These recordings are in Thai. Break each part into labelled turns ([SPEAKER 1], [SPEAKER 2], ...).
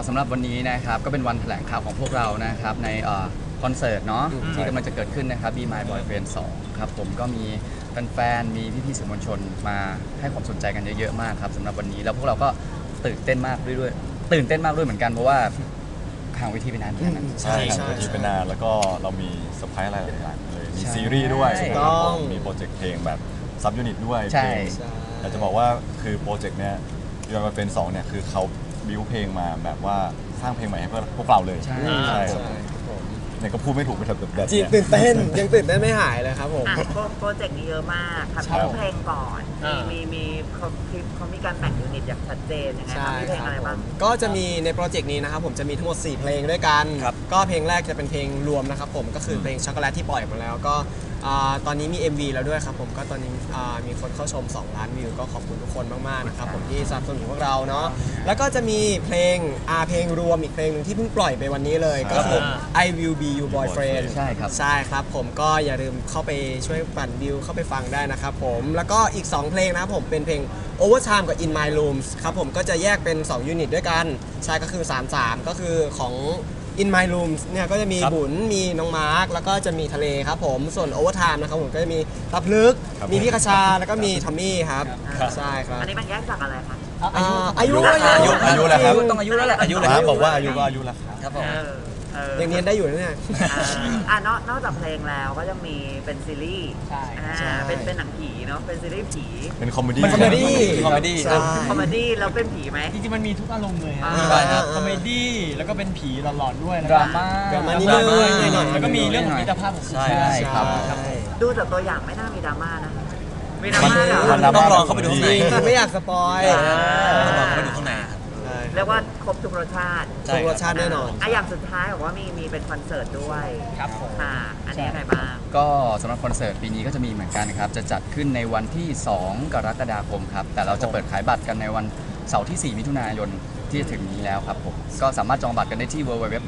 [SPEAKER 1] สำหรับวันนี้นะครับก็เป็นวันแถลงข่าวของพวกเรานะครับในคอนเสิร์ตเนาะที่กำลังจะเกิดขึ้นนะครับ Be My Boyfriend 2ครับผมก็มีแฟนๆมีพี่ๆสื่อมวลชนมาให้ความสนใจกันเยอะๆมากครับสำหรับวันนี้แล้วพวกเราก็ตื่นเต้นมากด้วยตื่นเต้นมากด้วยเหมือนกันเพราะว่าห่างเวทีไปนานเหมือนกันนะ
[SPEAKER 2] ใช่ครับที่เป็นนานแล้วก็เรามีเซอร์ไพรส์อะไรหลายอย่างเลยมีซีรีส์ด้วยนะครับผมมีโปรเจกต์เพลงแบบซับยูนิตด้วยเพลงแต่จะบอกว่าคือโปรเจกต์เนี้ยยอนมาเป็น2เนี่ยคือเขาบิวเพลงมาแบบว่าสร้างเพลงใหม่ให้พวกเราเลยใช่เนี่ยก็พูดไม่ถูกไปแบบ
[SPEAKER 3] จีตื่นเต้นยังตื่นเต้นไม่หายเลยครับผม
[SPEAKER 4] โปรเจกต์นี้เยอะมากทำชื่อเพลงก่อนมีเขามีการแบ่งยูนิตอย่างชัดเจนยังไงครับมีเพลงอะไรบ้าง
[SPEAKER 3] ก็จะมีในโปรเจกต์นี้นะครับผมจะมีทั้งหมด4เพลงด้วยกันก็เพลงแรกจะเป็นเพลงรวมนะครับผมก็คือเพลงช็อกโกแลตที่ปล่อยมาแล้วก็ตอนนี้มี MV แล้วด้วยครับผมก็ตอนนี้มีคนเข้าชม2 ล้านวิวก็ขอบคุณทุกคนมากๆนะครับผมที่สนับสนุนพวกเราเนาะแล้วก็จะมีเพลงรวมอีกเพลงนึงที่เพิ่งปล่อยไปวันนี้เลยก็คือ I Will Be Your Boyfriend
[SPEAKER 1] ใช่ครับ
[SPEAKER 3] ผมก็อย่าลืมเข้าไปช่วยปั่นวิวเข้าไปฟังได้นะครับผมแล้วก็อีก2เพลงนะครับผมเป็นเพลง Overtime กับ In My Rooms ครับผมก็จะแยกเป็น2ยูนิตด้วยกันใช่ก็คือ33ก็คือของ In My Rooms เนี่ยก็จะมีบุญมีน้องมาร์คแล้วก็จะมีทะเลครับผมส่วน Overtime นะครับผมก็จะมีตับลึกมีพี่คชาแล้วก็มีทอมมี่ครับใช่ครับ
[SPEAKER 4] อันนี้มันแยกจากอะไรคะ
[SPEAKER 3] อายุ
[SPEAKER 2] แล้วครับ
[SPEAKER 1] ต้องอายุแล้วแหละ
[SPEAKER 2] อายุแล้วบอกว่าอายุก็อายุแล้ว
[SPEAKER 1] ครับผม
[SPEAKER 3] ยังเรียนได้อยู่นะเนี่ย
[SPEAKER 4] นอกจากเพลงแล้วก็ยังมีเป็นซีรีส์เป็นหนังผีเนาะเป็นซีรีส์ผี
[SPEAKER 2] เป็นคอมเมดี้
[SPEAKER 1] คอมเม
[SPEAKER 4] ดี้แล้วเป็นผีไหม
[SPEAKER 5] จริงๆมันมีทุกอารมณ์เลยคอมเมดี้แล้วก็เป็นผีหลอนๆด้วย
[SPEAKER 1] ดราม่า
[SPEAKER 3] นิดนึง
[SPEAKER 5] แล้วก็มีเรื่องของมิตรภาพของ
[SPEAKER 1] ใช่ครับ
[SPEAKER 4] ดูจากตัวอย่างไม่น่ามีดราม่านะมีดรา
[SPEAKER 2] ม่า
[SPEAKER 1] ต้องลองเข้าไปดูข้างใน
[SPEAKER 3] ไม่อยากสปอย
[SPEAKER 1] ต้องลองเข้าไปดูข้างใน
[SPEAKER 4] เรียกว่าครบทุกรสชาติ
[SPEAKER 3] แน่นอน
[SPEAKER 4] อย่างสุดท้ายบอกว่ามีเป็นคอนเสิร์ตด้วย
[SPEAKER 5] ครับผม
[SPEAKER 4] อันนี้ยังไงบ้าง
[SPEAKER 1] ก็สำหรับคอนเสิร์ตปีนี้ก็จะมีเหมือนกันครับจะจัดขึ้นในวันที่2 กรกฎาคมครับแต่เราจะเปิดขายบัตรกันในวันเสาร์ที่4 มิถุนายนที่จะถึงนี้แล้วครับผมก็สามารถจองบัตรกันได้ที่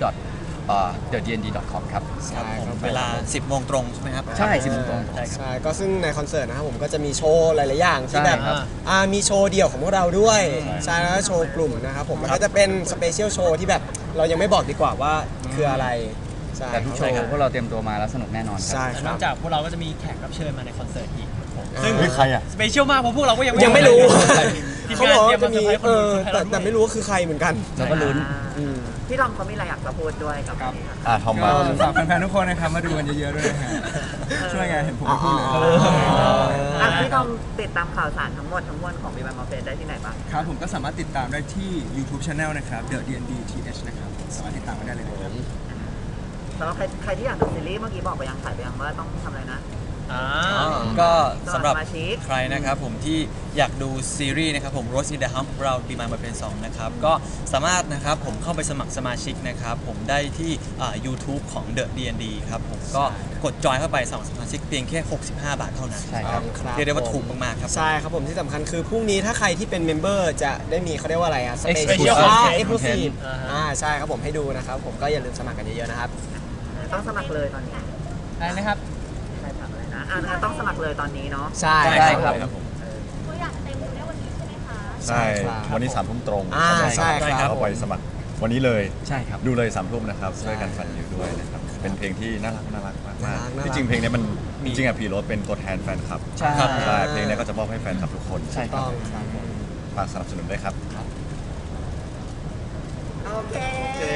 [SPEAKER 1] www.thednd.com ครับ
[SPEAKER 5] เวลา 10 โมงตรงใช่ไหมครับ
[SPEAKER 1] ใช่ 10 โมงตรง
[SPEAKER 3] ใช่ก็ซึ่งในคอนเสิร์ตนะครับผมก็จะมีโชว์หลายๆอย่างที่แบบมีโชว์เดี่ยวของพวกเราด้วยใช่แล้วก็โชว์กลุ่มนะครับผมมันก็จะเป็นสเปเชียลโชว์ที่แบบเรายังไม่บอกดีกว่าว่าคืออะไร
[SPEAKER 1] แต่ทุกโชว์พวกเราเตรียมตัวมาแล้วสนุกแน่นอนครับ
[SPEAKER 5] นอกจากพวกเราก็จะมีแขกรับเชิญมาในคอนเสิร์ตอีก
[SPEAKER 2] ซึ่งใครอ่ะ
[SPEAKER 5] สเปเชียลมากเพราะพวกเราก็
[SPEAKER 3] ยังไม่รู้
[SPEAKER 5] เขาบอกจะมี
[SPEAKER 3] แต่ไม่รู้ว่าคือใครเหมือนกัน
[SPEAKER 1] เราก็ลุ้น
[SPEAKER 4] พี่ทอมเขามีอะไรอยากจะพูดด้วยกับ
[SPEAKER 2] ทอมมา
[SPEAKER 5] ฝากแฟนๆทุกคนนะครับมาดูกันเยอะๆด้วยนะฮะช่วยไงเห็นผมพูดเลย
[SPEAKER 4] พี่ทอมติดตามข่าวสารทั้งหมดของ Be My Boyfriend ได้ที่ไหนบ้าง
[SPEAKER 5] ครับผมก็สามารถติดตามได้ที่ YouTube Channel นะครับ The DND TH นะครับสามารถติดตามกันได้เลยนะครับ
[SPEAKER 4] สำหรับใครที่อยากดูซีรีส์เมื่อกี้บอกไปยังถ่ายไปยังว่าต้องทำอะไรนะ
[SPEAKER 6] ก็สำหรับใครนะครับผมที่อยากดูซีรีส์นะครับผม Rose in the Hump เรา Be My Boyfriend 2นะครับก็สามารถนะครับผมเข้าไปสมัครสมาชิกนะครับผมได้ที่YouTube ของ The DND ครับผมก็กดจอยเข้าไปสมัครสมาชิกเพียงแค่65 บาทเท่านั้น
[SPEAKER 1] ใช่ครับ
[SPEAKER 6] เรียกได้ว่าถูกมากๆครับ
[SPEAKER 3] ใช่ครับผมที่สำคัญคือพรุ่งนี้ถ้าใครที่เป็นเมมเบอร์จะได้มีเขาเรียกว่าอะไรอะ
[SPEAKER 1] Special
[SPEAKER 3] Exclusive ใช่ครับผมให้ดูนะครับผมก็อย่าลืมสมัครกันเยอะๆนะครับ
[SPEAKER 4] ต้องสมัครเลยตอนนี้
[SPEAKER 5] อะไรนะครับ
[SPEAKER 4] ต้องสมัครเลยตอนนี้เนาะ
[SPEAKER 3] ใช่
[SPEAKER 1] ครับ
[SPEAKER 7] ตัวอย่างเต็มได้วันนี้ใช่ไหมคะ
[SPEAKER 2] ใช่วันนี้3 ทุ่มตรง
[SPEAKER 3] ใช่ครับ
[SPEAKER 2] เข้าไปสมัครวันนี้เลย
[SPEAKER 1] ใช่ครับ
[SPEAKER 2] ดูเลย3 ทุ่มนะครับช่วยกันฟังอยู่ด้วยนะครับเป็นเพลงที่น่ารักมากที่จริงเพลงนี้มันจริงๆพีโรสเป็นตัวแทนแฟนคลับ
[SPEAKER 1] ใช่
[SPEAKER 2] เพลงนี้ก็จะมอบให้แฟนคลับทุกคน
[SPEAKER 1] ใช่ครับ
[SPEAKER 2] ฝากสนับสนุนด้วยครับ
[SPEAKER 4] โอเค